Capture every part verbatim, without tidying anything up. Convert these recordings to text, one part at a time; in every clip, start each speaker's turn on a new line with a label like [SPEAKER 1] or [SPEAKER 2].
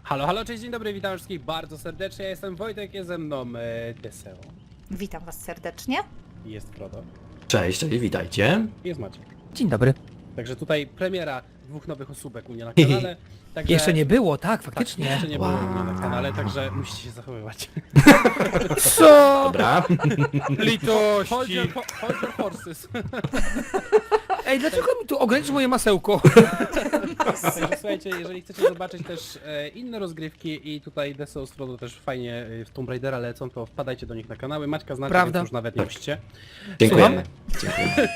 [SPEAKER 1] Halo, halo, cześć, dzień dobry, witam wszystkich bardzo serdecznie, ja jestem Wojtek, jest ze mną e, Deseo,
[SPEAKER 2] Witam was serdecznie.
[SPEAKER 1] jest Frodo,
[SPEAKER 3] Cześć, cześć, witajcie.
[SPEAKER 1] i jest Maciek.
[SPEAKER 4] Dzień dobry.
[SPEAKER 1] Także tutaj premiera dwóch nowych osóbek u mnie na kanale. Także...
[SPEAKER 4] Jeszcze nie było, tak,
[SPEAKER 1] Tak,
[SPEAKER 4] faktycznie.
[SPEAKER 1] jeszcze nie
[SPEAKER 3] Wow.
[SPEAKER 1] było u mnie na kanale, także musicie się zachowywać.
[SPEAKER 4] Co?
[SPEAKER 3] Dobra.
[SPEAKER 1] Hold
[SPEAKER 4] Litości.
[SPEAKER 1] your, ho- hold your horses.
[SPEAKER 4] Ej, dlaczego mi tu ograniczysz moje masełko?
[SPEAKER 1] Także słuchajcie, jeżeli chcecie zobaczyć też e, inne rozgrywki i tutaj Deseo z Frodo też fajnie e, w Tomb Raidera lecą, to wpadajcie do nich na kanały. Maćka znacie,
[SPEAKER 4] Prawda.
[SPEAKER 1] więc już nawet nie musicie.
[SPEAKER 3] Dziękujemy. Dziękujemy.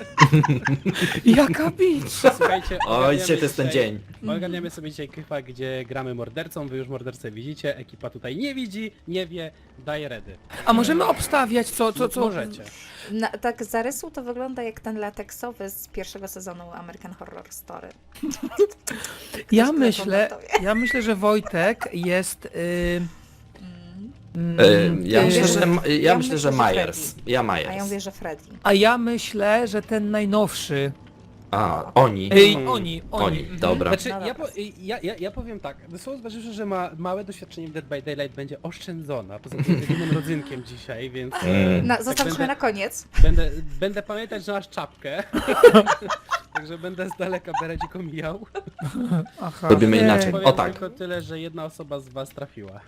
[SPEAKER 4] Jaka bicz!
[SPEAKER 1] Słuchajcie,
[SPEAKER 3] O,
[SPEAKER 1] ogarniamy
[SPEAKER 3] dzisiaj to jest ten dzień.
[SPEAKER 1] Ogarniamy sobie dzisiaj krypa, gdzie gramy mordercą, wy już mordercę widzicie, ekipa tutaj nie widzi, nie wie, daje redy.
[SPEAKER 4] A możemy obstawiać co, co, co?
[SPEAKER 1] Możecie.
[SPEAKER 2] Na, tak z zarysu to wygląda jak ten lateksowy z pierwszego sezonu American Horror Story.
[SPEAKER 4] Ja
[SPEAKER 2] Ktoś
[SPEAKER 4] myślę,
[SPEAKER 2] telefonatowie.
[SPEAKER 4] ja myślę, że Wojtek jest... Y,
[SPEAKER 2] Mm.
[SPEAKER 3] Y, ja
[SPEAKER 4] y,
[SPEAKER 3] myślę, że, ja
[SPEAKER 2] ja
[SPEAKER 3] myślę,
[SPEAKER 2] myślę,
[SPEAKER 3] że
[SPEAKER 2] że
[SPEAKER 3] Myers. Ja
[SPEAKER 2] A ja
[SPEAKER 3] Myers.
[SPEAKER 2] mówię, że Freddy.
[SPEAKER 4] A ja myślę, że ten najnowszy.
[SPEAKER 3] A, oni.
[SPEAKER 4] Ej,
[SPEAKER 1] Mm.
[SPEAKER 4] oni, oni.
[SPEAKER 3] Oni,
[SPEAKER 4] Mhm.
[SPEAKER 3] dobra.
[SPEAKER 1] Znaczy,
[SPEAKER 2] No
[SPEAKER 1] ja,
[SPEAKER 2] dobra.
[SPEAKER 1] po, ja, ja, ja powiem tak, Deseo zważywszy, że ma małe doświadczenie w Dead by Daylight będzie oszczędzona, poza tym jedynym rodzynkiem dzisiaj, więc
[SPEAKER 3] Mm.
[SPEAKER 2] Na, zostawmy
[SPEAKER 1] będę-
[SPEAKER 2] na koniec.
[SPEAKER 1] będę, będę pamiętać, że masz czapkę. Także będę z daleka beredziką mijał.
[SPEAKER 4] Aha.
[SPEAKER 3] Robimy
[SPEAKER 4] Ej.
[SPEAKER 3] inaczej.
[SPEAKER 1] Powiem
[SPEAKER 3] O tak.
[SPEAKER 1] tylko tyle, że jedna osoba z was trafiła.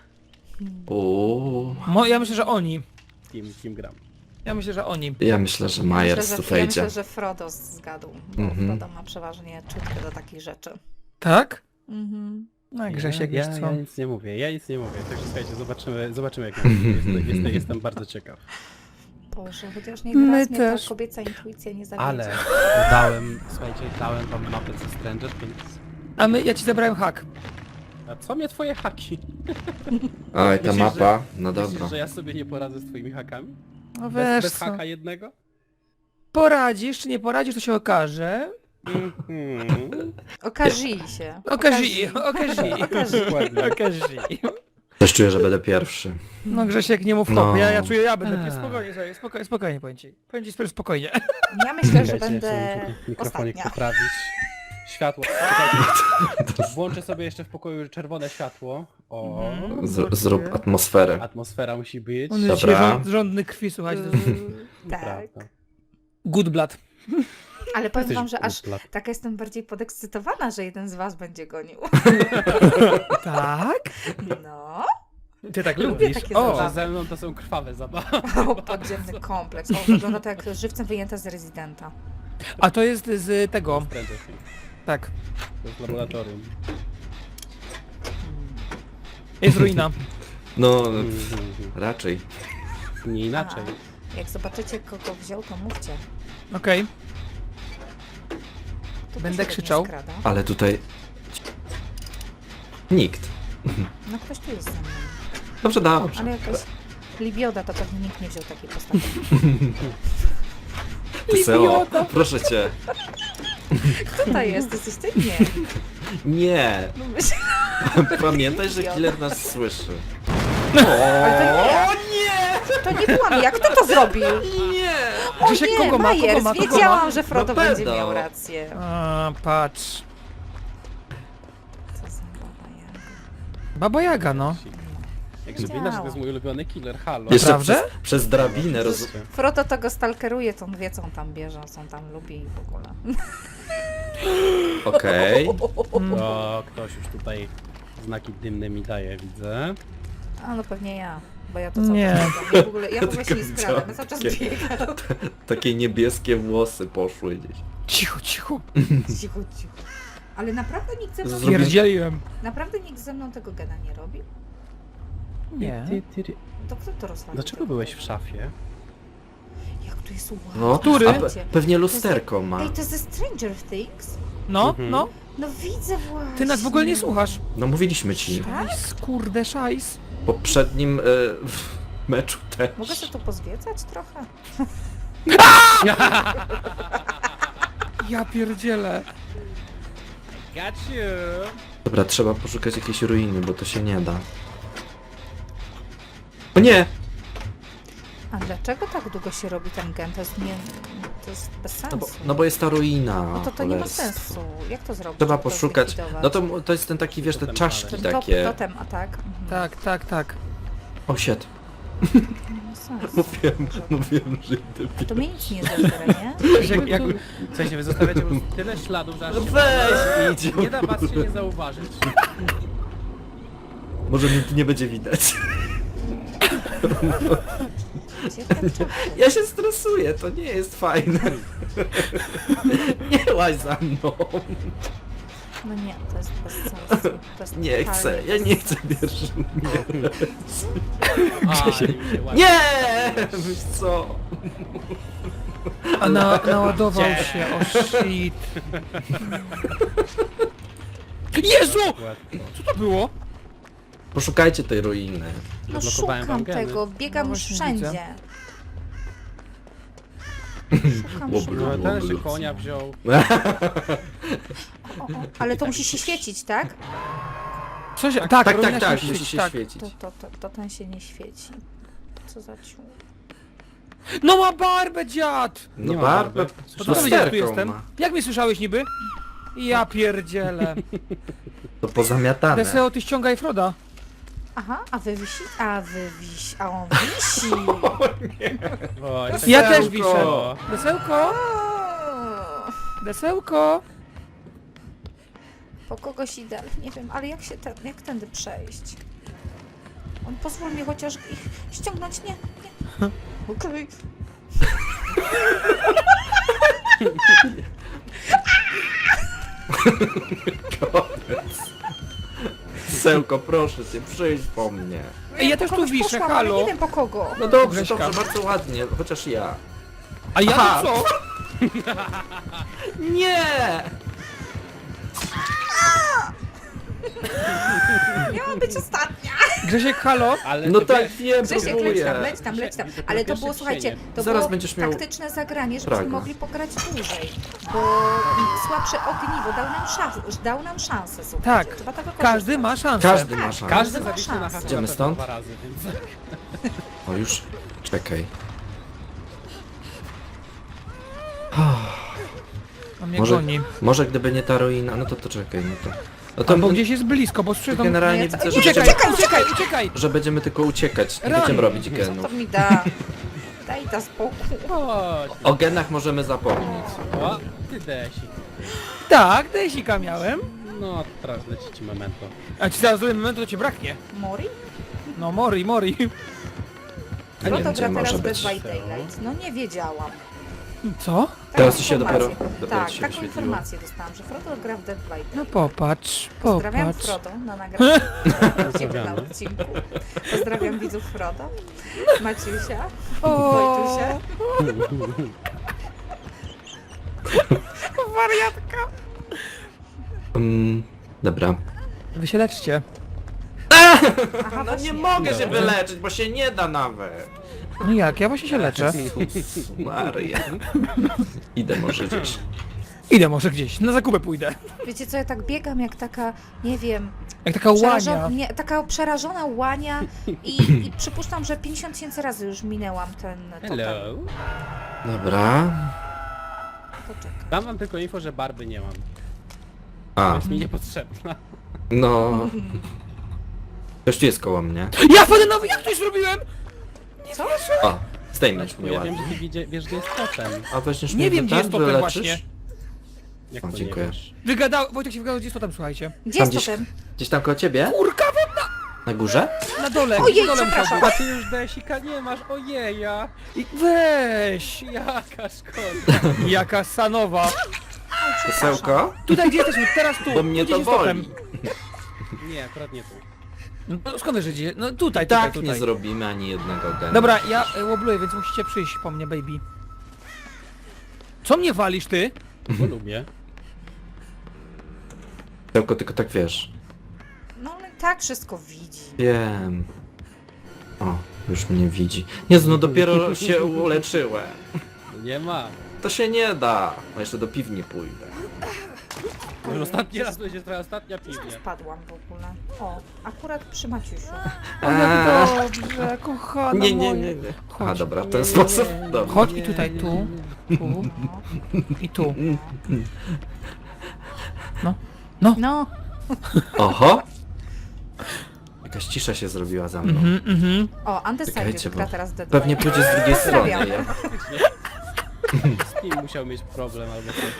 [SPEAKER 3] Uuu.
[SPEAKER 4] Mo, ja myślę, że oni.
[SPEAKER 1] Kim, kim gram.
[SPEAKER 4] Ja myślę, że oni.
[SPEAKER 3] Ja myślę, że
[SPEAKER 2] Myślę,
[SPEAKER 3] Myers
[SPEAKER 2] że,
[SPEAKER 3] tu
[SPEAKER 2] ja
[SPEAKER 3] wejdzie.
[SPEAKER 2] myślę, że Frodo zgadł, bo
[SPEAKER 3] Mhm.
[SPEAKER 2] Frodo ma przeważnie czutkę do takich rzeczy.
[SPEAKER 4] Tak?
[SPEAKER 2] Mhm.
[SPEAKER 4] No Grzesiek,
[SPEAKER 1] ja,
[SPEAKER 4] wiesz
[SPEAKER 1] ja,
[SPEAKER 4] co?
[SPEAKER 1] ja nic nie mówię, ja nic nie mówię. Także słuchajcie, zobaczymy, zobaczymy jak jestem, jestem, jestem bardzo ciekaw.
[SPEAKER 2] Boże, chociaż nie
[SPEAKER 4] My
[SPEAKER 2] raz mnie
[SPEAKER 4] też.
[SPEAKER 2] ta kobieca intuicja nie zawiedzie.
[SPEAKER 1] Ale dałem, słuchajcie, dałem wam mapę ze Stranger, więc...
[SPEAKER 4] A my, ja ci zabrałem hak.
[SPEAKER 1] A co mnie twoje haki?
[SPEAKER 3] Oj, ta
[SPEAKER 1] Myślisz,
[SPEAKER 3] mapa. No
[SPEAKER 1] Myślisz,
[SPEAKER 3] dobra.
[SPEAKER 1] że ja sobie nie poradzę z twoimi hakami?
[SPEAKER 4] No
[SPEAKER 1] Bez,
[SPEAKER 4] wiesz
[SPEAKER 1] bez
[SPEAKER 4] co.
[SPEAKER 1] haka jednego?
[SPEAKER 4] Poradzisz, czy nie poradzisz, to się okaże.
[SPEAKER 1] Mhm.
[SPEAKER 2] Okażyj się.
[SPEAKER 4] Okazi, okazi.
[SPEAKER 2] Okaży.
[SPEAKER 1] Dokładnie.
[SPEAKER 4] Okazi.
[SPEAKER 3] Też czuję, że będę pierwszy.
[SPEAKER 4] No Grzesiek, nie mów
[SPEAKER 3] No.
[SPEAKER 4] hop, ja, ja czuję, ja będę
[SPEAKER 1] Eee.
[SPEAKER 4] spokojnie, sobie, spokojnie, spokojnie, powiem ci. Powiem ci spokojnie.
[SPEAKER 2] Ja myślę, że
[SPEAKER 1] Czekajcie,
[SPEAKER 2] będę
[SPEAKER 1] ja chcę mikrofonik
[SPEAKER 2] ostatnia.
[SPEAKER 1] poprawić. Światło. Czekajcie. Włączę sobie jeszcze w pokoju czerwone światło. O,
[SPEAKER 2] Mhm.
[SPEAKER 3] Z, zrób atmosferę.
[SPEAKER 1] atmosfera musi być.
[SPEAKER 4] On jest
[SPEAKER 3] Dobra.
[SPEAKER 4] dzisiaj rząd, rządny krwi, słuchajcie. to jest
[SPEAKER 2] Yy, tak.
[SPEAKER 1] Prawda.
[SPEAKER 4] Good blood.
[SPEAKER 2] Ale powiem
[SPEAKER 1] Jesteś
[SPEAKER 2] wam, że aż
[SPEAKER 1] głupla.
[SPEAKER 2] taka jestem bardziej podekscytowana, że jeden z was będzie gonił.
[SPEAKER 4] Tak?
[SPEAKER 2] No.
[SPEAKER 4] Ty tak
[SPEAKER 2] Lubię
[SPEAKER 4] lubisz.
[SPEAKER 2] takie
[SPEAKER 4] O,
[SPEAKER 1] Że
[SPEAKER 2] zabawy.
[SPEAKER 1] ze mną to są krwawe zabawy.
[SPEAKER 2] O, podziemny kompleks. O, wygląda to jak żywcem wyjęte z rezydenta.
[SPEAKER 4] a to jest z tego.
[SPEAKER 1] Stranger Things.
[SPEAKER 4] Tak.
[SPEAKER 1] To jest laboratorium.
[SPEAKER 4] Jest ruina.
[SPEAKER 3] No,
[SPEAKER 1] Mhm.
[SPEAKER 3] raczej.
[SPEAKER 1] Nie inaczej.
[SPEAKER 2] A, jak zobaczycie, kogo wziął, to mówcie.
[SPEAKER 4] Okej.
[SPEAKER 2] Kto
[SPEAKER 4] Będę
[SPEAKER 2] tu się
[SPEAKER 4] krzyczał.
[SPEAKER 2] tak nie skrada?
[SPEAKER 3] Ale tutaj... Nikt.
[SPEAKER 2] No ktoś tu jest ze mną.
[SPEAKER 3] Dobrze, dobrze.
[SPEAKER 2] Ale jakaś libioda, to pewnie nikt nie wziął takiej postaci.
[SPEAKER 3] Seo, proszę cię.
[SPEAKER 2] Kto to jest? Jesteś ty? Nie.
[SPEAKER 3] Nie.
[SPEAKER 2] No myślę,
[SPEAKER 3] Pamiętaj, że killer nas słyszy.
[SPEAKER 2] ale to nie ja. To nie byłam ja. Kto to zrobił?
[SPEAKER 3] Nie!
[SPEAKER 2] O
[SPEAKER 4] Grzesiek,
[SPEAKER 2] nie,
[SPEAKER 4] kogo ma, kogo
[SPEAKER 2] Majers.
[SPEAKER 4] ma, kogo ma?
[SPEAKER 2] Wiedziałam, że Frodo
[SPEAKER 3] No
[SPEAKER 2] będzie
[SPEAKER 3] pedał.
[SPEAKER 2] miał rację.
[SPEAKER 4] A, patrz.
[SPEAKER 2] Co za baba Jaga.
[SPEAKER 4] Baba Jaga, no.
[SPEAKER 1] Jak żeby inaczej, to jest mój ulubiony killer, halo.
[SPEAKER 3] Jeszcze
[SPEAKER 4] Naprawdę?
[SPEAKER 3] przez, przez drabinę roz...
[SPEAKER 2] Frodo to go stalkeruje, to on wie, co on tam bierze, co on tam lubi i w ogóle.
[SPEAKER 3] Okej.
[SPEAKER 1] O, ktoś już tutaj znaki dymne mi daje, widzę.
[SPEAKER 2] A no pewnie ja, bo ja to cały
[SPEAKER 4] Nie.
[SPEAKER 2] czas biegam. Ja w ogóle, ja w ogóle się nie
[SPEAKER 3] tylko
[SPEAKER 2] skradam, ja cały czas
[SPEAKER 3] widziałem
[SPEAKER 2] biegam.
[SPEAKER 3] Takie niebieskie włosy poszły gdzieś.
[SPEAKER 4] Cicho, cicho.
[SPEAKER 2] Cicho, cicho. Ale naprawdę nikt ze mną,
[SPEAKER 3] Zrobi-
[SPEAKER 4] Pierdzieliłem.
[SPEAKER 2] naprawdę nikt ze mną tego gena nie robi?
[SPEAKER 4] Nie.
[SPEAKER 1] Ty, ty, ty.
[SPEAKER 2] To kto to rozwalił?
[SPEAKER 1] Dlaczego byłeś w szafie?
[SPEAKER 2] Jak tu jest ładnie.
[SPEAKER 3] No,
[SPEAKER 4] Który?
[SPEAKER 3] a pe pewnie lusterko ma.
[SPEAKER 2] Ej, to jest ze Stranger Things?
[SPEAKER 4] No,
[SPEAKER 1] Mhm.
[SPEAKER 4] no.
[SPEAKER 2] No widzę właśnie.
[SPEAKER 4] Ty nas w ogóle nie słuchasz.
[SPEAKER 3] No mówiliśmy ci.
[SPEAKER 4] Szajs, kurde, szajs.
[SPEAKER 3] W poprzednim e, w meczu też.
[SPEAKER 2] Mogę się tu pozwiedzać trochę?
[SPEAKER 4] Ja pierdzielę.
[SPEAKER 1] Got you!
[SPEAKER 3] Dobra, trzeba poszukać jakiejś ruiny, bo to się nie da. O nie!
[SPEAKER 2] A dlaczego tak długo się robi ten gen? To jest nie... To to jest bez
[SPEAKER 3] No
[SPEAKER 2] sensu.
[SPEAKER 3] bo, no bo jest ta ruina.
[SPEAKER 2] No to to nie ma
[SPEAKER 3] cholerstwo.
[SPEAKER 2] sensu. Jak to zrobić?
[SPEAKER 3] Trzeba
[SPEAKER 2] Jak to
[SPEAKER 3] poszukać.
[SPEAKER 2] zlikwidować?
[SPEAKER 3] No to, to jest ten taki, wiesz, te
[SPEAKER 1] Totem
[SPEAKER 3] czaszki
[SPEAKER 2] Ten
[SPEAKER 3] takie.
[SPEAKER 2] top, totem atak. Mhm.
[SPEAKER 4] Tak, tak, tak.
[SPEAKER 3] O, shit.
[SPEAKER 2] Nie ma sensu.
[SPEAKER 3] Mówiłem, mówiłem, że idę.
[SPEAKER 2] To mnie nic nie zabierze, nie?
[SPEAKER 1] Jak, jak, w sensie wy zostawiacie po prostu tyle śladów, że aż
[SPEAKER 3] No
[SPEAKER 1] się
[SPEAKER 3] weź, idź.
[SPEAKER 1] nie da was się nie zauważyć.
[SPEAKER 3] Może mnie tu nie będzie widać.
[SPEAKER 2] Gdzie ten czas?
[SPEAKER 3] Ja się stresuję, to nie jest fajne. Nie łaź za mną.
[SPEAKER 2] No nie, to jest bez sensu. To jest
[SPEAKER 3] Nie
[SPEAKER 2] totalnie
[SPEAKER 3] chcę, ja
[SPEAKER 2] bez
[SPEAKER 3] nie
[SPEAKER 2] sensu.
[SPEAKER 3] chcę pierwszy.
[SPEAKER 1] A, mi się ładnie.
[SPEAKER 3] Nie! Wiesz co?
[SPEAKER 4] A na, naładował się, o shit. Jezu! Co to było?
[SPEAKER 3] Poszukajcie tej ruiny.
[SPEAKER 2] No
[SPEAKER 1] Zablokowałem wam
[SPEAKER 2] szukam
[SPEAKER 1] geny.
[SPEAKER 2] tego, biegam
[SPEAKER 4] No
[SPEAKER 2] już
[SPEAKER 4] właśnie
[SPEAKER 2] wszędzie.
[SPEAKER 4] widzę.
[SPEAKER 2] Szukam,
[SPEAKER 3] Łoblu.
[SPEAKER 2] szukam.
[SPEAKER 1] No, ten się konia wziął.
[SPEAKER 2] O, o, ale to musi się świecić, tak?
[SPEAKER 4] Co się... Tak,
[SPEAKER 3] Tak,
[SPEAKER 4] powinna
[SPEAKER 3] tak, tak,
[SPEAKER 4] się
[SPEAKER 3] musi
[SPEAKER 4] świecić,
[SPEAKER 3] się
[SPEAKER 4] tak.
[SPEAKER 3] świecić.
[SPEAKER 2] To, to, to, to ten się nie świeci. Co za ciu.
[SPEAKER 4] No ma barbę, dziad!
[SPEAKER 3] No
[SPEAKER 1] Nie ma
[SPEAKER 3] barbę,
[SPEAKER 1] barwy.
[SPEAKER 4] To co wiedziałeś, tu
[SPEAKER 3] lusterką
[SPEAKER 4] jestem?
[SPEAKER 3] ma.
[SPEAKER 4] Jak mnie słyszałeś niby? Ja pierdzielę.
[SPEAKER 3] To pozamiatane.
[SPEAKER 4] Deseo, ty ściągaj Froda.
[SPEAKER 2] Aha, a wy wisi? A wy wisi, a on wisi.
[SPEAKER 1] O,
[SPEAKER 4] Ja
[SPEAKER 3] Desełko.
[SPEAKER 4] też wiszę. Desełko,
[SPEAKER 2] O,
[SPEAKER 4] desełko.
[SPEAKER 2] po kogoś idę, nie wiem, ale jak się ten, jak tędy przejść? On pozwól mi chociaż ich ściągnąć, nie, nie. Okej.
[SPEAKER 3] Sełko, proszę cię, przyjdź po mnie.
[SPEAKER 4] Ej, ja
[SPEAKER 2] Po
[SPEAKER 4] też tu
[SPEAKER 2] kogoś
[SPEAKER 4] wiszę,
[SPEAKER 2] poszłam, ale
[SPEAKER 4] halo.
[SPEAKER 2] nie wiem po kogo.
[SPEAKER 3] No dobrze,
[SPEAKER 4] Grześka.
[SPEAKER 3] dobrze, bardzo ładnie, chociaż ja.
[SPEAKER 4] A ja
[SPEAKER 3] Aha.
[SPEAKER 4] to co?
[SPEAKER 3] Nie!
[SPEAKER 2] Miałam być ostatnia.
[SPEAKER 4] Grzesiek, halo?
[SPEAKER 1] Ale
[SPEAKER 3] No
[SPEAKER 1] ty
[SPEAKER 3] tak,
[SPEAKER 1] wiesz,
[SPEAKER 3] wiem,
[SPEAKER 2] Grzesiek, leć
[SPEAKER 3] próbuję.
[SPEAKER 2] tam, leć tam, leć tam.
[SPEAKER 1] Widzę
[SPEAKER 2] Ale to
[SPEAKER 1] pierwsze
[SPEAKER 2] było, słuchajcie,
[SPEAKER 1] cienie.
[SPEAKER 2] to
[SPEAKER 3] Zaraz
[SPEAKER 2] było
[SPEAKER 3] będziesz miał
[SPEAKER 2] taktyczne zagranie, żebyśmy
[SPEAKER 3] Praga.
[SPEAKER 2] mogli pograć dłużej. Bo słabsze ogniwo dał nam szansę, dał nam szansę, słuchajcie.
[SPEAKER 4] Tak.
[SPEAKER 2] Trzeba tego
[SPEAKER 4] Każdy
[SPEAKER 2] korzystać.
[SPEAKER 4] ma szansę.
[SPEAKER 3] Każdy ma
[SPEAKER 2] Tak,
[SPEAKER 3] szansę.
[SPEAKER 1] Każdy
[SPEAKER 2] ma
[SPEAKER 1] zawiśnie na
[SPEAKER 2] szansę.
[SPEAKER 1] hasło
[SPEAKER 3] Idziemy
[SPEAKER 1] na
[SPEAKER 3] stąd?
[SPEAKER 1] dwa razy, więc...
[SPEAKER 3] O już, czekaj.
[SPEAKER 4] On mnie
[SPEAKER 3] Może,
[SPEAKER 4] goni.
[SPEAKER 3] może gdyby nie ta ruina, no to to czekaj, no to... No to
[SPEAKER 4] Albo gdzieś jest blisko, bo słyszę tam...
[SPEAKER 3] generalnie
[SPEAKER 2] Nie, co-
[SPEAKER 3] widzę, że,
[SPEAKER 2] nie,
[SPEAKER 3] będziemy,
[SPEAKER 4] Uciekaj, uciekaj, uciekaj!
[SPEAKER 3] że będziemy tylko uciekać, nie
[SPEAKER 4] Rany.
[SPEAKER 3] będziemy robić
[SPEAKER 2] Co
[SPEAKER 3] genów.
[SPEAKER 2] to mi da? Daj ta spokój.
[SPEAKER 1] Chodź.
[SPEAKER 3] O genach możemy zapomnieć.
[SPEAKER 1] O, ty desik.
[SPEAKER 4] Tak, desika miałem.
[SPEAKER 1] No, teraz leci ci memento.
[SPEAKER 4] A ci zaraz zrobię momentu, to cię braknie.
[SPEAKER 2] Mori?
[SPEAKER 4] No, mori, mori.
[SPEAKER 3] A nie
[SPEAKER 2] No to
[SPEAKER 3] wiem, gdzie
[SPEAKER 2] gra
[SPEAKER 3] może
[SPEAKER 2] teraz
[SPEAKER 3] być.
[SPEAKER 2] Dead by Daylight. No nie wiedziałam.
[SPEAKER 4] Co?
[SPEAKER 2] Taką
[SPEAKER 3] Teraz ci się
[SPEAKER 2] informację-
[SPEAKER 3] dopiero- dopiero
[SPEAKER 2] Tak,
[SPEAKER 3] ci się
[SPEAKER 2] taką
[SPEAKER 3] wyświetliło.
[SPEAKER 2] informację dostałam, że Frodo gra w Dead by Daylight.
[SPEAKER 4] No popatrz,
[SPEAKER 2] Pozdrawiam
[SPEAKER 4] popatrz.
[SPEAKER 2] Frodo na nagraniu u Ciebie na
[SPEAKER 1] Pozdrawiamy.
[SPEAKER 2] odcinku. Pozdrawiam widzów Frodo, Maciusia,
[SPEAKER 4] O.
[SPEAKER 2] Wojtusia.
[SPEAKER 4] Wariatka.
[SPEAKER 3] Mm, dobra.
[SPEAKER 4] Wy się leczcie.
[SPEAKER 2] Aha,
[SPEAKER 3] No
[SPEAKER 2] właśnie.
[SPEAKER 3] nie mogę się
[SPEAKER 1] Dobrze.
[SPEAKER 3] wyleczyć, bo się nie da nawet.
[SPEAKER 4] No jak, ja właśnie się leczę.
[SPEAKER 3] Jezus Maria. Idę może gdzieś.
[SPEAKER 4] Idę może gdzieś, na zakupę pójdę.
[SPEAKER 2] Wiecie co, ja tak biegam jak taka, nie wiem,
[SPEAKER 4] Jak taka
[SPEAKER 2] przerażo-
[SPEAKER 4] łania.
[SPEAKER 2] nie, taka przerażona łania i, i przypuszczam, że pięćdziesiąt tysięcy razy już minęłam ten totem.
[SPEAKER 1] Hello.
[SPEAKER 3] Dobra.
[SPEAKER 2] Poczekaj.
[SPEAKER 1] Dam wam tylko info, że barby nie mam.
[SPEAKER 3] A,
[SPEAKER 1] Jest mi niepotrzebna.
[SPEAKER 3] no... Ktoś tu jest koło mnie.
[SPEAKER 4] Ja wpadę nowy, jak to zrobiłem?
[SPEAKER 2] Co?
[SPEAKER 3] O, zdejmę
[SPEAKER 1] Bo
[SPEAKER 3] mnie
[SPEAKER 1] ja wiem,
[SPEAKER 3] ładnie.
[SPEAKER 1] że ty widzie, wiesz, gdzie jest totem.
[SPEAKER 3] A weźmiesz
[SPEAKER 4] Nie
[SPEAKER 3] mnie
[SPEAKER 4] wiem, gdzie jest
[SPEAKER 3] ten,
[SPEAKER 4] totem
[SPEAKER 3] wyleczysz?
[SPEAKER 4] właśnie.
[SPEAKER 1] Jak
[SPEAKER 3] O,
[SPEAKER 1] to nie
[SPEAKER 3] dziękuję.
[SPEAKER 1] wiesz?
[SPEAKER 4] Wygadał, Wojtek się wygadał, gdzie jest to tam, słuchajcie.
[SPEAKER 2] Gdzie
[SPEAKER 3] Tam
[SPEAKER 2] jest
[SPEAKER 3] gdzieś,
[SPEAKER 2] totem?
[SPEAKER 3] gdzieś tam koło ciebie?
[SPEAKER 4] Kurka wodna!
[SPEAKER 3] Na górze?
[SPEAKER 4] Na dole,
[SPEAKER 2] Ojej,
[SPEAKER 4] na dole
[SPEAKER 2] przepraszam.
[SPEAKER 4] musiał
[SPEAKER 1] A ty już desika nie masz, ojeja!
[SPEAKER 4] być. I- Weź!
[SPEAKER 1] Jaka szkoda.
[SPEAKER 4] Jaka sanowa.
[SPEAKER 3] Krzesełko?
[SPEAKER 4] Tutaj gdzie jesteśmy? Teraz tu.
[SPEAKER 3] Bo mnie
[SPEAKER 4] Tu
[SPEAKER 3] to
[SPEAKER 4] gdzieś jest totem.
[SPEAKER 3] boli.
[SPEAKER 1] Nie, akurat nie tu.
[SPEAKER 4] No skąd wiesz, że gdzie? No tutaj,
[SPEAKER 3] I
[SPEAKER 4] tutaj,
[SPEAKER 3] tak nie
[SPEAKER 4] tutaj.
[SPEAKER 3] zrobimy ani jednego gena.
[SPEAKER 4] Dobra, ja y, łobluję, więc musicie przyjść po mnie, baby. Co mnie walisz, ty?
[SPEAKER 1] Bo lubię.
[SPEAKER 3] Tylko, tylko tak wiesz.
[SPEAKER 2] No ale tak wszystko widzi.
[SPEAKER 3] Wiem. O, już mnie widzi. Jezu, no dopiero się uleczyłem.
[SPEAKER 1] Nie ma.
[SPEAKER 3] To się nie da. A jeszcze do piwni pójdę.
[SPEAKER 1] Już ostatni raz to będzie twoja ostatnia
[SPEAKER 2] Tu
[SPEAKER 1] piwnia.
[SPEAKER 2] spadłam w ogóle. O, akurat przy Maciusiu.
[SPEAKER 4] O, jak
[SPEAKER 3] Eee.
[SPEAKER 4] dobrze. Dobrze, kochana
[SPEAKER 3] Nie, nie,
[SPEAKER 4] moja.
[SPEAKER 3] nie, nie. A
[SPEAKER 4] Chodź.
[SPEAKER 3] dobra, w ten sposób. Dobra.
[SPEAKER 4] Chodź i tutaj, tu, tu i tu. No, no.
[SPEAKER 2] No,
[SPEAKER 3] Oho! Jakaś cisza się zrobiła za mną.
[SPEAKER 4] Mhm, mhm.
[SPEAKER 2] o, Undecided
[SPEAKER 3] Czekajcie,
[SPEAKER 2] gra
[SPEAKER 3] bo
[SPEAKER 2] teraz Dead
[SPEAKER 3] pewnie
[SPEAKER 2] by.
[SPEAKER 3] pójdzie z drugiej strony.
[SPEAKER 2] Pozdrawiam.
[SPEAKER 3] Ja.
[SPEAKER 1] Z kim musiał mieć problem albo coś.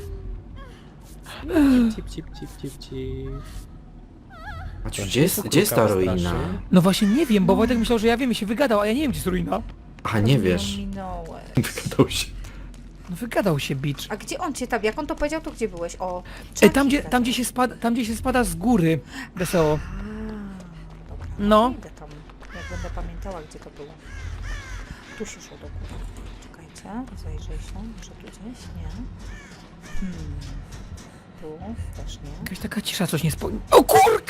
[SPEAKER 1] Cip, cip, cip, cip, cip.
[SPEAKER 3] Maciu, gdzie jest, gdzie jest ta ruina?
[SPEAKER 4] No właśnie nie wiem, bo Wojtek myślał, że ja wiem i się wygadał, a ja nie wiem, gdzie jest ruina.
[SPEAKER 3] A nie wiesz.
[SPEAKER 2] Minąłeś.
[SPEAKER 3] Wygadał się.
[SPEAKER 4] No wygadał się, bitch.
[SPEAKER 2] A gdzie on cię tam, jak on to powiedział, to gdzie byłeś? O,
[SPEAKER 4] Ej, tam, gdzie,
[SPEAKER 2] Chucky
[SPEAKER 4] tam, gdzie się spada, tam gdzie się spada z góry, Deseo.
[SPEAKER 2] A, dobra,
[SPEAKER 4] No.
[SPEAKER 2] idę tam, jak będę pamiętała, gdzie to było. Tu się szło do góry. Czekajcie, zajrzyj się, może tu gdzieś? Nie. Hmm. Tu też nie.
[SPEAKER 4] Jakaś taka cisza, coś nie spo... O kurka!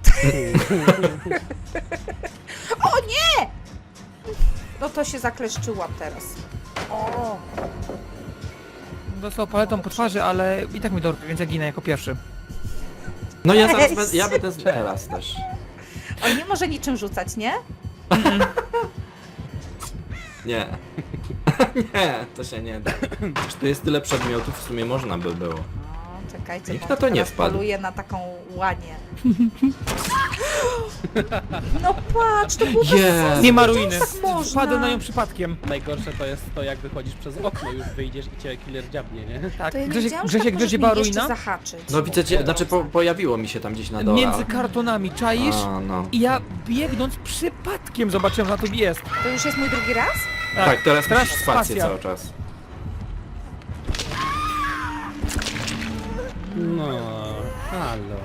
[SPEAKER 2] O nie! No to się zakleszczyłam teraz. O!
[SPEAKER 4] Dostał paletą po twarzy, ale i tak mi dorwie, więc ja ginę jako pierwszy.
[SPEAKER 3] No ja zaraz
[SPEAKER 2] Cześć.
[SPEAKER 3] będę, ja będę teraz też.
[SPEAKER 2] On nie może niczym rzucać, nie?
[SPEAKER 3] Nie. Nie, to się nie da. Przecież tu jest tyle przedmiotów, w sumie można by było.
[SPEAKER 2] No, czekajcie,
[SPEAKER 3] Nikt
[SPEAKER 2] bo
[SPEAKER 3] na to nie
[SPEAKER 2] teraz
[SPEAKER 3] wpadł.
[SPEAKER 2] poluję na taką łanię. No patrz, to było bez
[SPEAKER 3] Jest.
[SPEAKER 2] sensu.
[SPEAKER 4] Nie ma
[SPEAKER 2] Jak
[SPEAKER 4] ruiny.
[SPEAKER 2] tak można?
[SPEAKER 4] Wpadłem na nią przypadkiem.
[SPEAKER 1] Najgorsze to jest to, jak wychodzisz przez okno, już wyjdziesz i cię killer dziabnie, nie?
[SPEAKER 4] Tak,
[SPEAKER 2] To ja nie
[SPEAKER 4] Grzesiek,
[SPEAKER 2] wiedziałam, że
[SPEAKER 4] Grzesiek
[SPEAKER 2] tak
[SPEAKER 4] wiesz, gdzie
[SPEAKER 2] możesz
[SPEAKER 4] była
[SPEAKER 2] mnie jeszcze
[SPEAKER 4] ruina?
[SPEAKER 2] zahaczyć.
[SPEAKER 3] No widzę, znaczy po, pojawiło mi się tam gdzieś na dole.
[SPEAKER 4] Między kartonami, czaisz?
[SPEAKER 3] A, no.
[SPEAKER 4] I ja biegnąc przypadkiem zobaczyłem, że na to jest.
[SPEAKER 2] To już jest mój drugi raz?
[SPEAKER 3] Tak, teraz,
[SPEAKER 4] teraz
[SPEAKER 3] musisz spację
[SPEAKER 4] spacja.
[SPEAKER 3] cały czas.
[SPEAKER 1] No, halo.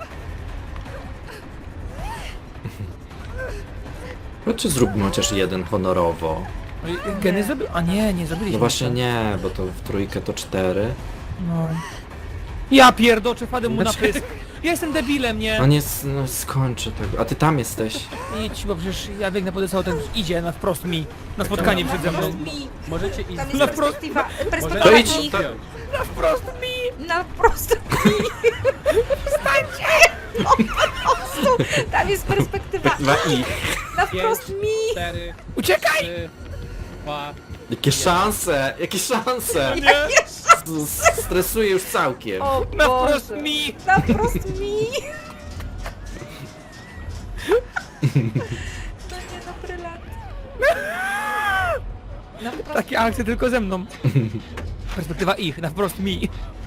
[SPEAKER 3] No czy zróbmy chociaż jeden honorowo?
[SPEAKER 4] Geny zrobił? A nie, nie zrobiliśmy.
[SPEAKER 3] No właśnie
[SPEAKER 4] jeszcze.
[SPEAKER 3] nie, bo to w trójkę to cztery.
[SPEAKER 4] No. Ja pierdoczę, wpadłem mu na
[SPEAKER 3] Znaczy-
[SPEAKER 4] pysk. Ja jestem debilem, nie?
[SPEAKER 3] No nie, s- no skończę tego. A ty tam jesteś.
[SPEAKER 4] Idź, bo przecież ja biegnę po deseł, ten idzie na wprost mi. Na spotkanie przed ze mną.
[SPEAKER 2] Mi.
[SPEAKER 1] Możecie iść
[SPEAKER 2] Tam
[SPEAKER 1] z...
[SPEAKER 2] jest
[SPEAKER 4] Na wprost-
[SPEAKER 2] perspektywa,
[SPEAKER 3] To
[SPEAKER 2] perspektywa
[SPEAKER 3] idź,
[SPEAKER 2] mi.
[SPEAKER 3] to-
[SPEAKER 4] Na wprost mi!
[SPEAKER 2] Na prosto mi. Wstańcie! Po prostu. Tam jest perspektywa
[SPEAKER 3] Dwa i.
[SPEAKER 2] na wprost mi.
[SPEAKER 1] cztery,
[SPEAKER 4] Uciekaj!
[SPEAKER 1] trzy, dwa...
[SPEAKER 3] Jakie szanse, jakie szanse.
[SPEAKER 4] Nie!
[SPEAKER 3] S- Stresuję już całkiem.
[SPEAKER 2] O
[SPEAKER 4] Na wprost
[SPEAKER 2] Boże.
[SPEAKER 4] mi!
[SPEAKER 2] Na wprost mi. To nie dobry lat. Na wprost.
[SPEAKER 4] Takie akcje tylko ze mną. Perspektywa ich, na wprost mi.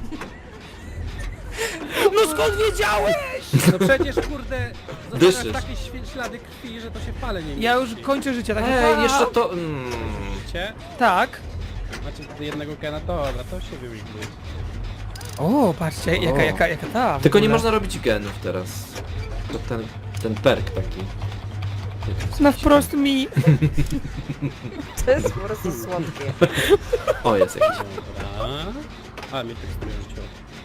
[SPEAKER 4] No skąd wiedziałeś?
[SPEAKER 1] No przecież kurde,
[SPEAKER 3] Dyszysz.
[SPEAKER 1] zostawiasz takie świ- ślady krwi, że to się pale nie
[SPEAKER 4] Ja już
[SPEAKER 1] mieści.
[SPEAKER 4] kończę życie, tak
[SPEAKER 3] Ej, jeszcze to... Mm.
[SPEAKER 1] Widzicie?
[SPEAKER 4] Tak.
[SPEAKER 1] Macie jednego gena, dobra, to się wywigbuje.
[SPEAKER 4] O, patrzcie, jaka,
[SPEAKER 3] O.
[SPEAKER 4] jaka, jaka ta. w
[SPEAKER 3] Tylko nie
[SPEAKER 4] ogóle.
[SPEAKER 3] można robić genów teraz. To ten, ten perk taki.
[SPEAKER 4] Na wprost mi.
[SPEAKER 2] To jest po prostu słodkie.
[SPEAKER 3] O, jest jakiś.
[SPEAKER 1] Dobra. A, mnie tekstuje życie.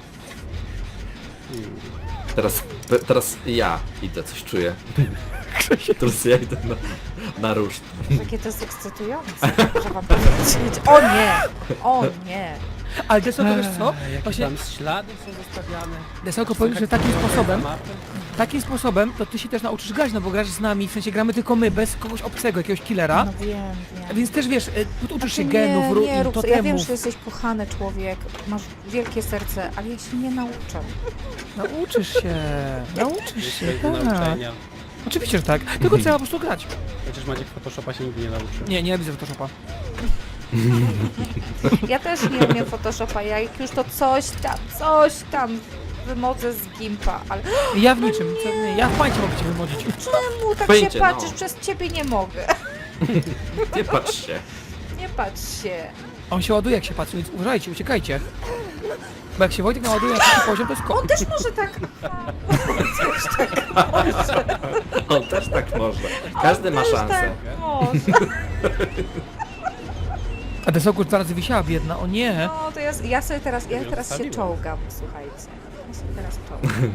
[SPEAKER 1] Hmm.
[SPEAKER 3] Teraz, te- teraz ja idę, coś czuję. Teraz ja idę na, na ruszt.
[SPEAKER 2] Jakie to jest ekscytujące, że wam powiedzieć. O nie! O nie!
[SPEAKER 4] Ale Deso, to wiesz co?
[SPEAKER 1] Jakie
[SPEAKER 4] Właśnie
[SPEAKER 1] tam ślady są zostawiane.
[SPEAKER 4] Desełko powiedz, że takim
[SPEAKER 1] Słychać
[SPEAKER 4] sposobem,
[SPEAKER 1] mapy.
[SPEAKER 4] takim sposobem, to ty się też nauczysz grać, no bo grasz z nami, w sensie gramy tylko my, bez kogoś obcego, jakiegoś killera.
[SPEAKER 2] No wiem, wiem.
[SPEAKER 4] Więc też wiesz, y, tu uczysz się
[SPEAKER 2] Nie,
[SPEAKER 4] genów,
[SPEAKER 2] nie
[SPEAKER 4] ruin,
[SPEAKER 2] rób, ja wiem,
[SPEAKER 4] totemów.
[SPEAKER 2] że jesteś kochany człowiek, masz wielkie serce, ale ja się nie nauczę.
[SPEAKER 4] Nauczysz się, nauczysz się,
[SPEAKER 1] Jest do
[SPEAKER 4] tak.
[SPEAKER 1] nauczenia.
[SPEAKER 4] Oczywiście, że tak. Tylko trzeba po prostu grać.
[SPEAKER 1] Chociaż Maciek Photoshopa się nigdy nie nauczy.
[SPEAKER 4] Nie, nie widzę Photoshopa.
[SPEAKER 2] Ja też nie umiem Photoshopa, ja jak już to coś tam, coś tam wymodzę z Gimpa, ale
[SPEAKER 4] Ja w niczym, co, nie, ja w pańcie mogę cię wymodzić.
[SPEAKER 2] czemu tak
[SPEAKER 3] Pojęcie,
[SPEAKER 2] się
[SPEAKER 3] no.
[SPEAKER 2] patrzysz? Przez ciebie nie mogę.
[SPEAKER 3] Nie patrz się.
[SPEAKER 2] Nie patrz się.
[SPEAKER 4] On się ładuje jak się patrzy, więc uważajcie, uciekajcie. Bo jak się Wojtek naładuje na taki poziom, to jest
[SPEAKER 2] On
[SPEAKER 4] ko...
[SPEAKER 2] też może tak... Też tak może.
[SPEAKER 3] On też tak może. Każdy ma
[SPEAKER 2] Też
[SPEAKER 3] szansę.
[SPEAKER 2] tak może.
[SPEAKER 4] A Desełko dwa razy wisiała biedna, o nie.
[SPEAKER 2] No to ja, ja sobie teraz, ja
[SPEAKER 1] ją
[SPEAKER 2] teraz się
[SPEAKER 1] zostawiłem.
[SPEAKER 2] czołgam, słuchajcie. Ja się teraz czołgam.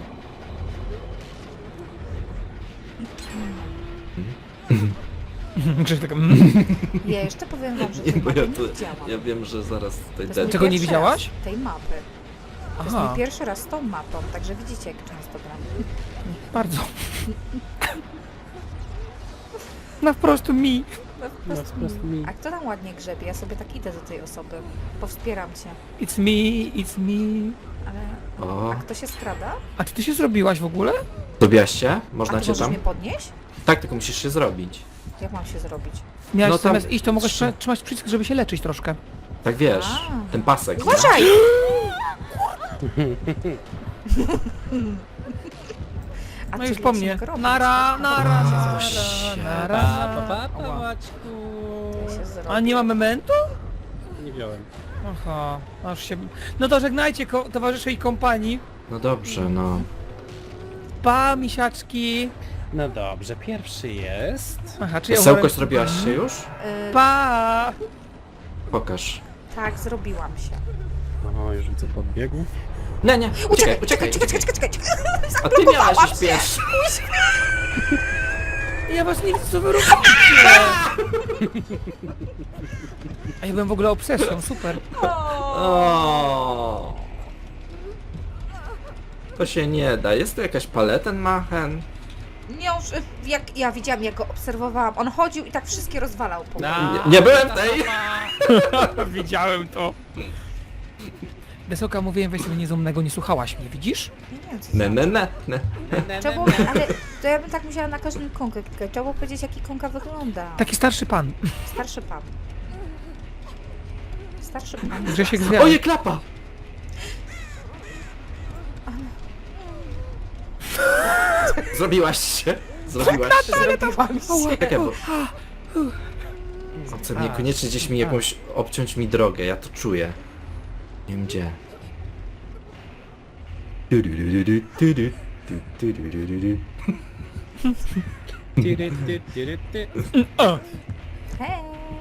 [SPEAKER 4] Grzesiek tak, mm.
[SPEAKER 2] Ja jeszcze powiem wam, że
[SPEAKER 3] Nie,
[SPEAKER 2] tej
[SPEAKER 3] bo
[SPEAKER 2] mapy
[SPEAKER 3] ja,
[SPEAKER 2] nie
[SPEAKER 3] tu,
[SPEAKER 2] widziałam.
[SPEAKER 3] ja wiem, że zaraz tutaj
[SPEAKER 2] To jest
[SPEAKER 3] de-
[SPEAKER 2] mój
[SPEAKER 4] Czego nie
[SPEAKER 2] pierwszy
[SPEAKER 4] widziałaś?
[SPEAKER 2] raz tej mapy. To jest
[SPEAKER 4] Aha,
[SPEAKER 2] mój pierwszy raz z tą mapą, także widzicie jak często gram.
[SPEAKER 4] bardzo. na wprost mi.
[SPEAKER 2] No, po
[SPEAKER 1] No,
[SPEAKER 2] prostu
[SPEAKER 1] po prostu mi.
[SPEAKER 2] A kto tam ładnie grzebie? Ja sobie tak idę do tej osoby. Powspieram cię.
[SPEAKER 4] It's me, it's me.
[SPEAKER 2] Ale...
[SPEAKER 3] O,
[SPEAKER 2] A kto się skrada?
[SPEAKER 4] A czy ty się zrobiłaś w ogóle?
[SPEAKER 3] zrobiłaś się?
[SPEAKER 2] A
[SPEAKER 3] Można
[SPEAKER 2] ty
[SPEAKER 3] cię
[SPEAKER 2] możesz
[SPEAKER 3] tam?
[SPEAKER 2] mnie podnieść?
[SPEAKER 3] Tak, tylko musisz się zrobić.
[SPEAKER 2] Jak mam się zrobić?
[SPEAKER 4] Miałeś
[SPEAKER 3] No tam-
[SPEAKER 4] zamiast iść, to mogłeś trzyma- trzymać przycisk, żeby się leczyć troszkę.
[SPEAKER 3] Tak wiesz,
[SPEAKER 2] A.
[SPEAKER 3] ten pasek. nie?
[SPEAKER 2] Uważaj! A
[SPEAKER 4] No
[SPEAKER 2] ty
[SPEAKER 4] już po
[SPEAKER 2] wiesz,
[SPEAKER 4] mnie.
[SPEAKER 2] jak robić,
[SPEAKER 4] Nara,
[SPEAKER 2] tak?
[SPEAKER 4] nara,
[SPEAKER 2] Jak się
[SPEAKER 4] nara,
[SPEAKER 2] zrobić?
[SPEAKER 4] nara.
[SPEAKER 1] Pa, pa, pa, pa,
[SPEAKER 4] Ała.
[SPEAKER 1] Maćku.
[SPEAKER 2] Jak się zrobić?
[SPEAKER 4] A nie ma memento?
[SPEAKER 1] Nie wziąłem.
[SPEAKER 4] Aha, aż się... No to żegnajcie ko- towarzysze i kompanii.
[SPEAKER 3] No dobrze, no.
[SPEAKER 4] Pa, misiaczki.
[SPEAKER 1] No dobrze, pierwszy jest...
[SPEAKER 4] Aha, czy ja
[SPEAKER 3] Sełko
[SPEAKER 4] umarłem?
[SPEAKER 3] zrobiłaś się już?
[SPEAKER 2] Y,
[SPEAKER 4] Pa!
[SPEAKER 3] Pokaż.
[SPEAKER 2] tak, zrobiłam się.
[SPEAKER 1] O, już widzę podbiegł.
[SPEAKER 3] Nie, nie, uciekaj, uciekaj,
[SPEAKER 2] czekaj,
[SPEAKER 3] uciekaj.
[SPEAKER 2] czekaj, czekaj, czekaj.
[SPEAKER 3] A ty miałaś
[SPEAKER 2] Zablokowałam
[SPEAKER 3] iść
[SPEAKER 2] się.
[SPEAKER 3] pierwszy.
[SPEAKER 4] Ja was nie widzę, co wy robicie! A ja byłem w ogóle obsesją, super.
[SPEAKER 3] O. To się nie da. Jest tu jakaś Palettenmachen?
[SPEAKER 2] Nie, już, y, jak ja widziałam, jak go obserwowałam. On chodził i tak wszystkie rozwalał po mnie.
[SPEAKER 3] Nie, nie byłem tej.
[SPEAKER 4] Widziałem to. Desoka, mówiłem, weź sobie niezumnego, nie słuchałaś mnie, widzisz?
[SPEAKER 2] Nie wiem, co
[SPEAKER 3] Ne,
[SPEAKER 2] za-
[SPEAKER 3] ne, ne, ne.
[SPEAKER 2] Trzeba było, ale to ja bym tak musiała na każdym konkę klikać. Trzeba było powiedzieć, jaki konka wygląda.
[SPEAKER 4] Taki starszy pan.
[SPEAKER 2] Starszy pan. Starszy pan.
[SPEAKER 4] Grzesiek zwiał.
[SPEAKER 3] Oje, klapa! Zrobiłaś się? Zrobiłaś się?
[SPEAKER 2] Zrobiłam się.
[SPEAKER 3] Czekaj, bo... Chce mnie koniecznie gdzieś mi jakąś obciąć mi drogę, ja to czuję. Nie wiem gdzie.
[SPEAKER 1] Tyry, ty, tyry, ty.
[SPEAKER 2] Hej.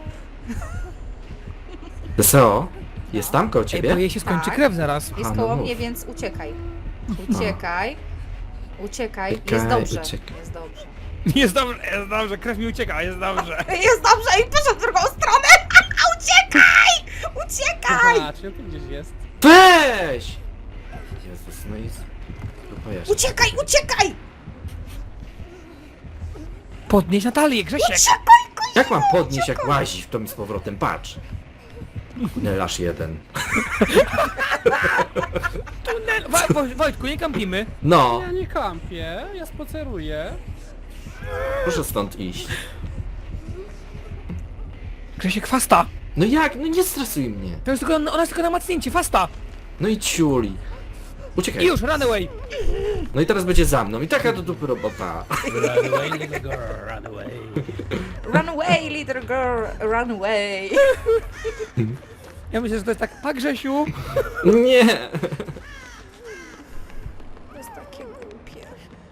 [SPEAKER 3] Deseo, jest tam koło
[SPEAKER 4] Ej,
[SPEAKER 3] ciebie?
[SPEAKER 4] bo jej się skończy
[SPEAKER 2] Tak.
[SPEAKER 4] krew zaraz.
[SPEAKER 2] Jest
[SPEAKER 3] A, no
[SPEAKER 2] koło
[SPEAKER 3] mów.
[SPEAKER 2] mnie, więc uciekaj. Uciekaj. Uciekaj. Jest
[SPEAKER 3] Uciekaj,
[SPEAKER 2] dobrze.
[SPEAKER 3] uciekaj.
[SPEAKER 2] Jest dobrze.
[SPEAKER 4] Jest dobrze, jest dobrze, krew mi ucieka, jest dobrze.
[SPEAKER 2] Jest dobrze i poszedł w drugą stronę. Uciekaj! Uciekaj!
[SPEAKER 1] Patrz, no tu gdzieś jest.
[SPEAKER 3] Weź! Jezus, no i... Dupa jeszcze.
[SPEAKER 2] Uciekaj, uciekaj!
[SPEAKER 4] Podnieś Natalię, Grzesiek.
[SPEAKER 3] Jak mam podnieść, jak łazi w to mi z powrotem? Patrz! Nelasz jeden.
[SPEAKER 4] Tunel. Wa- Wo- Wojtku, nie kampimy.
[SPEAKER 3] No,
[SPEAKER 1] Ja nie kampię, ja spaceruję.
[SPEAKER 3] proszę stąd iść.
[SPEAKER 4] Grzesiek, fasta.
[SPEAKER 3] No jak? No nie stresuj mnie.
[SPEAKER 4] To jest tylko, ona jest tylko na macnięcie, fasta.
[SPEAKER 3] No i ciuli. Uciekaj.
[SPEAKER 4] I już, run away.
[SPEAKER 3] No i teraz będzie za mną. I taka do dupy robota.
[SPEAKER 1] Run away, little girl, run away.
[SPEAKER 2] Run away, little girl, run away.
[SPEAKER 4] Ja myślę, że to jest tak, pa Grzesiu.
[SPEAKER 3] Nie!
[SPEAKER 2] To jest takie głupie.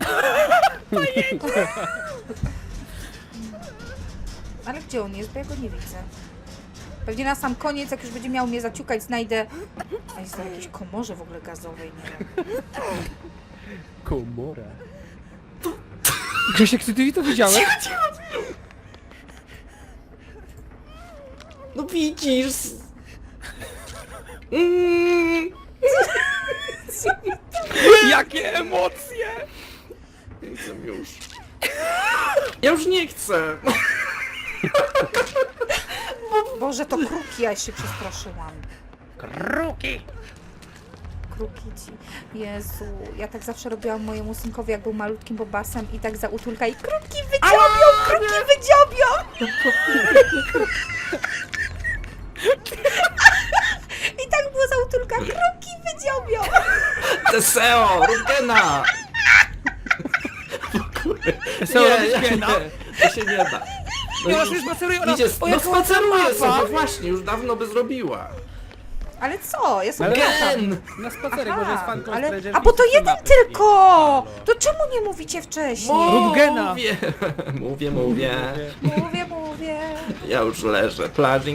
[SPEAKER 2] Ale gdzie on jest? Bo ja go nie widzę. Pewnie na sam koniec, jak już będzie miał mnie zaciukać, znajdę... A jest to w jakiejś komorze w ogóle gazowej, nie wiem.
[SPEAKER 1] Komora.
[SPEAKER 4] Grzesiek, ty, ty to widziałeś?
[SPEAKER 3] No widzisz! Mm.
[SPEAKER 4] Jakie emocje.
[SPEAKER 3] Nie chcę już. Ja już nie chcę.
[SPEAKER 2] Boże, to kruki, ja się przestraszyłam.
[SPEAKER 1] Kruki!
[SPEAKER 2] Kruki ci. Jezu, ja tak zawsze robiłam mojemu synkowi, jak był malutkim bobasem i tak za utulka i kruki wydziobią, kruki wydziobią! I tak było za utulka, kruki wydziobią!
[SPEAKER 3] Deseo! Rugena!
[SPEAKER 4] Wesoło robić
[SPEAKER 3] nie,
[SPEAKER 4] piena.
[SPEAKER 3] to się nie da. No
[SPEAKER 4] Ja
[SPEAKER 3] już
[SPEAKER 4] już spaceruję, ona...
[SPEAKER 3] idzie,
[SPEAKER 4] o,
[SPEAKER 3] no
[SPEAKER 4] jaka ładna
[SPEAKER 3] spaceruje
[SPEAKER 4] mapa.
[SPEAKER 3] sobie, właśnie, już dawno by zrobiła.
[SPEAKER 2] Ale co? Ja sobie
[SPEAKER 1] Ale-
[SPEAKER 2] latam.
[SPEAKER 3] Gen!
[SPEAKER 1] Na spacerek, może jest fan
[SPEAKER 2] ale,
[SPEAKER 1] Stranger
[SPEAKER 2] a bo to
[SPEAKER 1] Things,
[SPEAKER 2] jeden
[SPEAKER 1] mapy.
[SPEAKER 2] tylko!
[SPEAKER 1] Halo.
[SPEAKER 2] To czemu nie mówicie wcześniej?
[SPEAKER 4] Rób gena.
[SPEAKER 3] Mówię, mówię, mówię.
[SPEAKER 2] Mówię, mówię.
[SPEAKER 3] Ja już leżę. Plażing.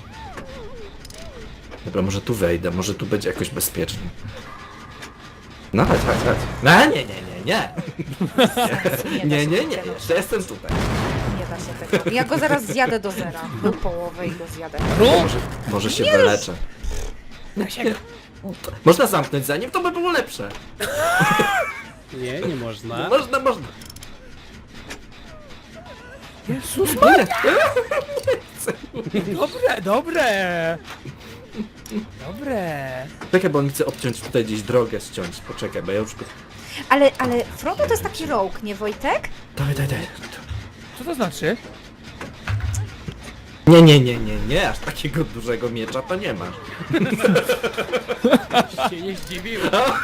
[SPEAKER 3] Dobra, może tu wejdę, może tu będzie jakoś bezpiecznie. No chodź, chodź, chodź. No nie, nie, nie, nie. Nie, nie, nie, jeszcze jestem tutaj.
[SPEAKER 2] Nie da się tego. Ja go zaraz zjadę do zera. Do połowy i go zjadę.
[SPEAKER 3] Może, może się wyleczę. Można zamknąć za nim, to by było lepsze.
[SPEAKER 1] Nie, nie można.
[SPEAKER 3] Można, można.
[SPEAKER 4] Jezus Maria! Dobre, dobre! Dobre!
[SPEAKER 3] Czekaj, bo on chce obciąć tutaj gdzieś drogę, ściąć. Poczekaj, bo ja już...
[SPEAKER 2] Ale, ale Frodo to jest taki rogue, nie Wojtek?
[SPEAKER 3] Dawaj, daj, daj.
[SPEAKER 4] Co to znaczy?
[SPEAKER 3] Nie, nie, nie, nie, nie, aż takiego dużego miecza to nie masz.
[SPEAKER 1] Się nie zdziwił.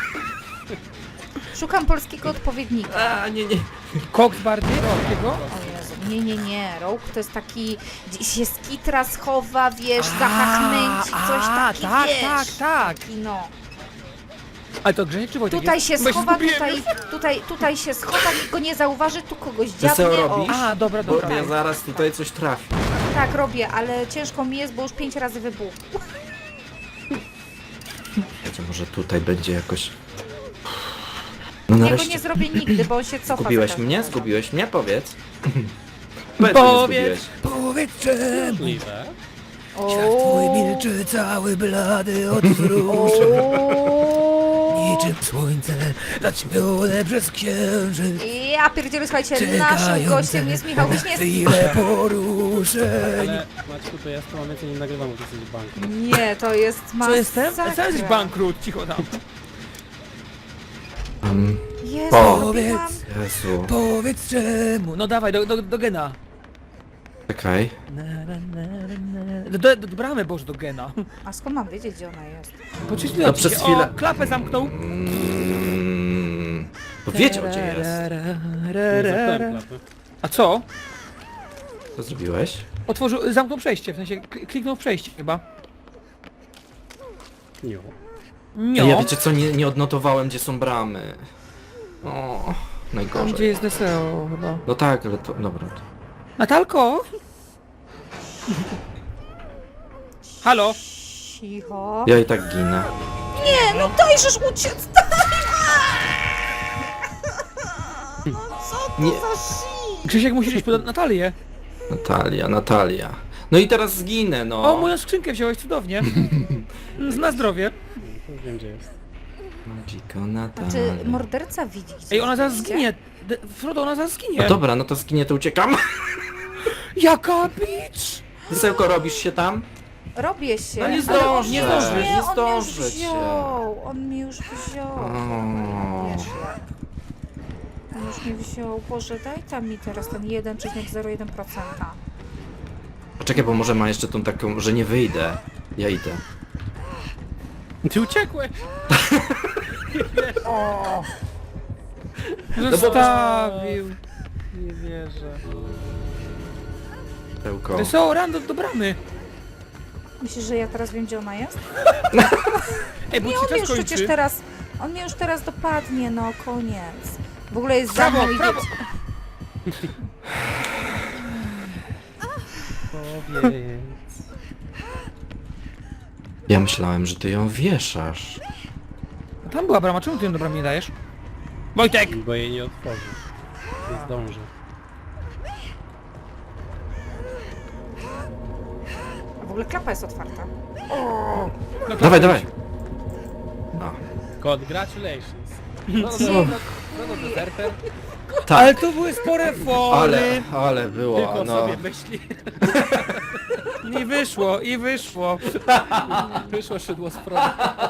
[SPEAKER 2] Szukam polskiego odpowiednika.
[SPEAKER 3] A, nie, nie.
[SPEAKER 4] Koks bardziej takiego?
[SPEAKER 2] O Jezu, nie, nie, nie. Rogue to jest taki, gdzieś się z kitra schowa, wiesz, zahachnęci, coś
[SPEAKER 4] a,
[SPEAKER 2] taki,
[SPEAKER 4] tak,
[SPEAKER 2] wiesz.
[SPEAKER 4] tak, tak.
[SPEAKER 2] Taki, no.
[SPEAKER 4] Ale to Grzesiek czy Wojtek
[SPEAKER 2] Tutaj
[SPEAKER 4] jest?
[SPEAKER 2] się
[SPEAKER 4] Bo
[SPEAKER 2] schowa,
[SPEAKER 4] zgubiłem
[SPEAKER 2] tutaj,
[SPEAKER 4] już.
[SPEAKER 2] tutaj, tutaj się schowa, nikt go nie zauważy, tu kogoś
[SPEAKER 3] co
[SPEAKER 2] dziabnie. O,
[SPEAKER 3] robisz?
[SPEAKER 4] A, dobra,
[SPEAKER 3] Bo
[SPEAKER 4] dobra.
[SPEAKER 3] ja zaraz tutaj coś trafię.
[SPEAKER 2] tak robię, ale ciężko mi jest, bo już pięć razy wybuchł.
[SPEAKER 3] Wiecie, może tutaj będzie jakoś... No
[SPEAKER 2] Ja go
[SPEAKER 3] nareszcie.
[SPEAKER 2] nie zrobię nigdy, bo on się cofa.
[SPEAKER 3] Zgubiłeś
[SPEAKER 2] za każdym
[SPEAKER 3] mnie?
[SPEAKER 2] razem.
[SPEAKER 3] Zgubiłeś mnie? Powiedz. Powiedz, że mnie
[SPEAKER 4] Powiedz,
[SPEAKER 3] zgubiłeś.
[SPEAKER 4] powiedz czemu.
[SPEAKER 1] Możliwe.
[SPEAKER 4] Świat twój milczy, cały blady od wzruszeń. Niczym słońce zaćmione przez księżyc.
[SPEAKER 2] Ja pierdzielę, słuchajcie, naszym gościem jest Michał Wiśniewski.
[SPEAKER 4] chwile poruszeń.
[SPEAKER 1] Ale Maćku, to ja z tą więcej nie nagrywam, bo to jest bank.
[SPEAKER 2] Nie, to jest
[SPEAKER 4] Co
[SPEAKER 2] masakra.
[SPEAKER 4] jestem? Sam jesteś bankrut, cicho tam.
[SPEAKER 3] Um,
[SPEAKER 2] Jezu,
[SPEAKER 3] O.
[SPEAKER 2] robiłam...
[SPEAKER 3] Jezu.
[SPEAKER 4] Powiedz czemu. No dawaj, do, do, do gena.
[SPEAKER 3] Czekaj.
[SPEAKER 4] Na, na, na, na. Do, do, do bramy, Boże, do gena.
[SPEAKER 2] A skąd mam wiedzieć, gdzie ona jest?
[SPEAKER 4] Poczystuję
[SPEAKER 3] No przez chwilę-
[SPEAKER 4] O, klapę zamknął.
[SPEAKER 3] Mm, to wiedział gdzie jest.
[SPEAKER 1] Nie zamknąłem klapy.
[SPEAKER 4] A co?
[SPEAKER 3] Co zrobiłeś?
[SPEAKER 4] Otworzył, zamknął przejście, w sensie kli- kliknął w przejście chyba.
[SPEAKER 1] Nie.
[SPEAKER 4] Nie.
[SPEAKER 3] Ja wiecie co, nie, nie odnotowałem gdzie są bramy. O,
[SPEAKER 4] Tam
[SPEAKER 3] najgorzej.
[SPEAKER 4] gdzie jest D S O chyba.
[SPEAKER 3] No tak, ale to... Dobra. To...
[SPEAKER 4] Natalko? Halo?
[SPEAKER 2] Cicho.
[SPEAKER 3] Ja i tak ginę.
[SPEAKER 2] Nie, no dajżesz uciec, daj! No co to
[SPEAKER 3] Nie.
[SPEAKER 2] za shit?
[SPEAKER 4] Grzesiek musisz iść po Natalię.
[SPEAKER 3] Natalia, Natalia. No i teraz zginę, no.
[SPEAKER 4] O, moją skrzynkę wziąłeś cudownie. Na zdrowie.
[SPEAKER 1] To już wiem, gdzie jest.
[SPEAKER 3] Magico Natalia.
[SPEAKER 2] Znaczy, morderca widzi gdzie
[SPEAKER 4] Ej, ona zaraz
[SPEAKER 2] jest,
[SPEAKER 4] zginie. De- Frodo, ona zaraz zginie.
[SPEAKER 3] No dobra, no to zginie, to uciekam.
[SPEAKER 4] Jaka bitch!
[SPEAKER 3] Wysełko, robisz się tam?
[SPEAKER 2] Robię się.
[SPEAKER 3] No nie
[SPEAKER 2] ale
[SPEAKER 3] zdążę,
[SPEAKER 2] on-
[SPEAKER 4] nie zdążysz,
[SPEAKER 2] Nie,
[SPEAKER 3] nie
[SPEAKER 2] on mnie już
[SPEAKER 3] zdążę cię.
[SPEAKER 2] wziął. On mnie już wziął.
[SPEAKER 3] O.
[SPEAKER 2] Wiesz jak. On już mnie wziął. Boże, daj tam mi teraz ten jeden przecinek zero jeden procent.
[SPEAKER 3] Poczekaj, bo może ma jeszcze tą taką, że nie wyjdę. Ja idę.
[SPEAKER 1] Ty uciekłeś!
[SPEAKER 4] Zostawił.
[SPEAKER 1] Nie wierzę.
[SPEAKER 3] Wysełko.
[SPEAKER 4] D S O, rando do bramy.
[SPEAKER 2] Myślisz, że ja teraz wiem, gdzie ona jest?
[SPEAKER 4] Ej, bo
[SPEAKER 2] Nie,
[SPEAKER 4] ci
[SPEAKER 2] on mnie
[SPEAKER 4] czas
[SPEAKER 2] już przecież
[SPEAKER 4] kończy.
[SPEAKER 2] teraz... On mnie już teraz dopadnie, no koniec. W ogóle jest za
[SPEAKER 4] Prawo,
[SPEAKER 2] mną i
[SPEAKER 4] prawo.
[SPEAKER 2] wiecie-
[SPEAKER 1] Powiedz.
[SPEAKER 3] Ja myślałem, że ty ją wieszasz.
[SPEAKER 4] Tam była brama, czemu ty ją do bramy nie dajesz? Wojtek!
[SPEAKER 1] Bo jej nie otworzy. Nie zdąży.
[SPEAKER 2] W ogóle klapa jest otwarta.
[SPEAKER 4] No,
[SPEAKER 3] Dawaj, dawaj. No.
[SPEAKER 1] Congratulations. No, no, no, no, no, deserter.
[SPEAKER 4] Ale to były spore fony.
[SPEAKER 3] Ale, ale było,
[SPEAKER 1] Tylko
[SPEAKER 3] no.
[SPEAKER 1] sobie myśli.
[SPEAKER 4] I wyszło, i wyszło.
[SPEAKER 1] Wyszło szydło z przodu.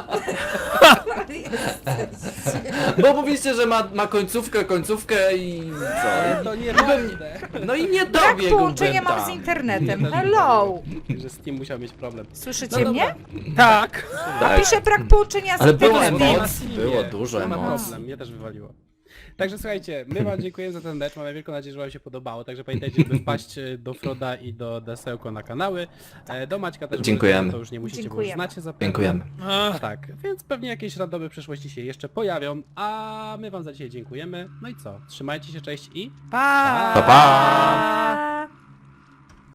[SPEAKER 3] Bo mówiliście, że ma, ma końcówkę, końcówkę i co?
[SPEAKER 1] To nie pewne.
[SPEAKER 3] No i nie
[SPEAKER 2] Brak
[SPEAKER 3] dobiegłbym
[SPEAKER 2] połączenia mam
[SPEAKER 3] tam.
[SPEAKER 2] z internetem.
[SPEAKER 1] Nie, też
[SPEAKER 2] Hello!
[SPEAKER 1] Że z tym musiał mieć problem.
[SPEAKER 2] Słyszycie
[SPEAKER 1] No
[SPEAKER 2] mnie?
[SPEAKER 4] Tak.
[SPEAKER 3] Tak.
[SPEAKER 2] Piszę brak połączenia z
[SPEAKER 3] Ale było
[SPEAKER 2] internetem.
[SPEAKER 3] emocji, było dużo
[SPEAKER 1] nie ma
[SPEAKER 3] emocji.
[SPEAKER 1] problem, mnie też wywaliło. Także słuchajcie, my wam dziękujemy za ten mecz, mamy wielką nadzieję, że wam się podobało, także pamiętajcie, by wpaść e, do Froda i do Desełko na kanały. E, Do Maćka też
[SPEAKER 3] Dziękujemy.
[SPEAKER 1] możecie, to już nie musicie, bo już
[SPEAKER 2] Dziękujemy.
[SPEAKER 1] znacie zapewne.
[SPEAKER 3] Dziękujemy.
[SPEAKER 4] Ach,
[SPEAKER 1] Tak, więc pewnie jakieś randomy w przyszłości się jeszcze pojawią, a my wam za dzisiaj dziękujemy. No i co, trzymajcie się, cześć i...
[SPEAKER 4] pa!
[SPEAKER 3] Pa, pa!